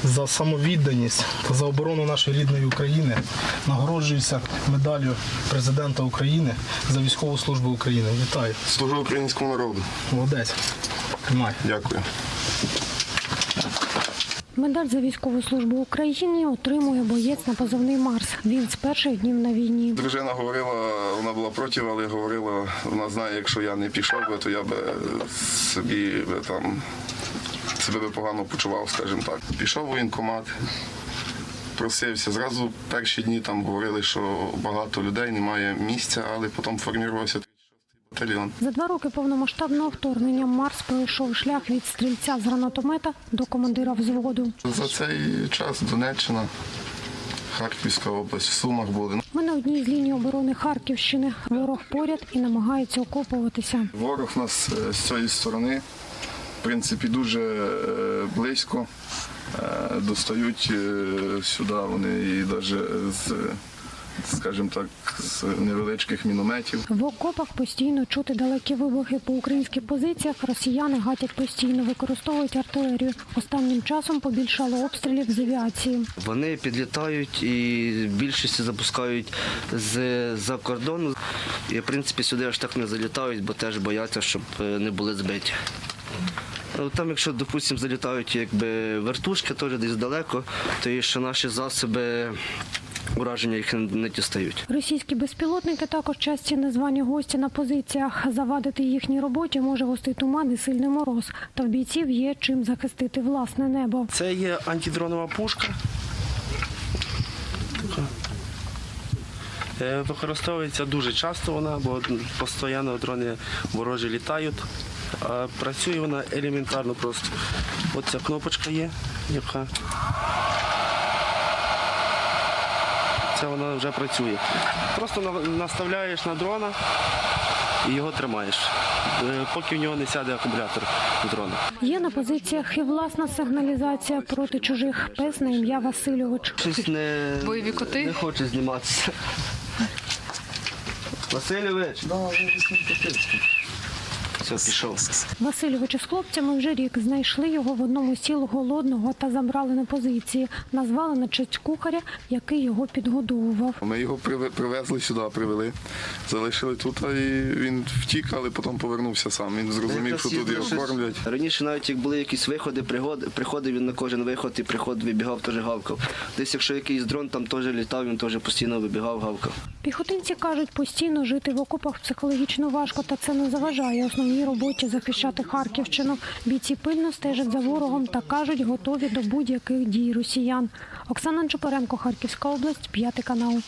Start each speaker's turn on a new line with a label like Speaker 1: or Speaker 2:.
Speaker 1: за самовідданість та за оборону нашої рідної України нагороджується медаллю Президента України за військову службу України. Вітаю.
Speaker 2: Служу українському народу.
Speaker 1: Молодець. Тримай.
Speaker 2: Дякую.
Speaker 3: Медаль за військову службу Україні отримує боєць на позивний «Марс». Він з перших днів на війні.
Speaker 2: Дружина говорила, вона була проти, але говорила, вона знає, якщо я не пішов би, то я би себе погано почував, скажімо так. Пішов у воєнкомат, просився. Зразу перші дні там говорили, що багато людей, немає місця, але потім формувався 36-й батальйон.
Speaker 3: За 2 роки повномасштабного вторгнення «Марс» пройшов шлях від стрільця з гранатомета до командира взводу.
Speaker 2: За цей час Донеччина, Харківська область, в Сумах були.
Speaker 3: Ми на одній з ліній оборони Харківщини. Ворог поряд і намагається окопуватися.
Speaker 2: Ворог у нас з цієї сторони, в принципі, дуже близько. Достають сюди вони і навіть скажімо так, з невеличких мінометів.
Speaker 3: В окопах постійно чути далекі вибухи. По українських позиціях росіяни гатять постійно, використовують артилерію. Останнім часом побільшало обстрілів з авіації.
Speaker 4: Вони підлітають і більшість запускають з-за кордону. І, в принципі, сюди аж так не залітають, бо теж бояться, щоб не були збиті. Там, якщо, допустимо, залітають якби вертушки, теж десь далеко, то і що наші засоби ураження їх не дістають.
Speaker 3: Російські безпілотники також часті незвані гості на позиціях. Завадити їхній роботі може густий туман і сильний мороз. Та в бійців є чим захистити власне небо.
Speaker 5: Це є антидронова пушка. Використовується дуже часто вона, бо постійно дрони ворожі літають. Працює вона елементарно просто. Ось ця кнопочка є, яка це вона вже працює. Просто наставляєш на дрона і його тримаєш, поки в нього не сяде акумулятор дрона.
Speaker 3: Є на позиціях і власна сигналізація проти чужих. Пес на ім'я Васильович.
Speaker 4: Щось
Speaker 6: Бойові коти?
Speaker 4: не хоче зніматися. Васильович! Все, пішов.
Speaker 3: Васильович із хлопцями вже рік. Знайшли його в одному з сіл голодного та забрали на позиції. Назвали на честь кухаря, який його підгодовував.
Speaker 2: Ми його привезли сюди, привели, залишили тут, і він втік, але потім повернувся сам. Він зрозумів, що тут його кормлять.
Speaker 4: Раніше навіть як були якісь виходи, приходив він на кожен виход і приход вибігав, теж гавкав. Десь якщо якийсь дрон там теж літав, він теж постійно вибігав, гавкав.
Speaker 3: Піхотинці кажуть, постійно жити в окопах психологічно важко, та це не заважає основній роботі захищати Харківщину. Бійці пильно стежать за ворогом та кажуть, готові до будь-яких дій росіян. Оксана Чупаренко, Харківська область, 5 канал.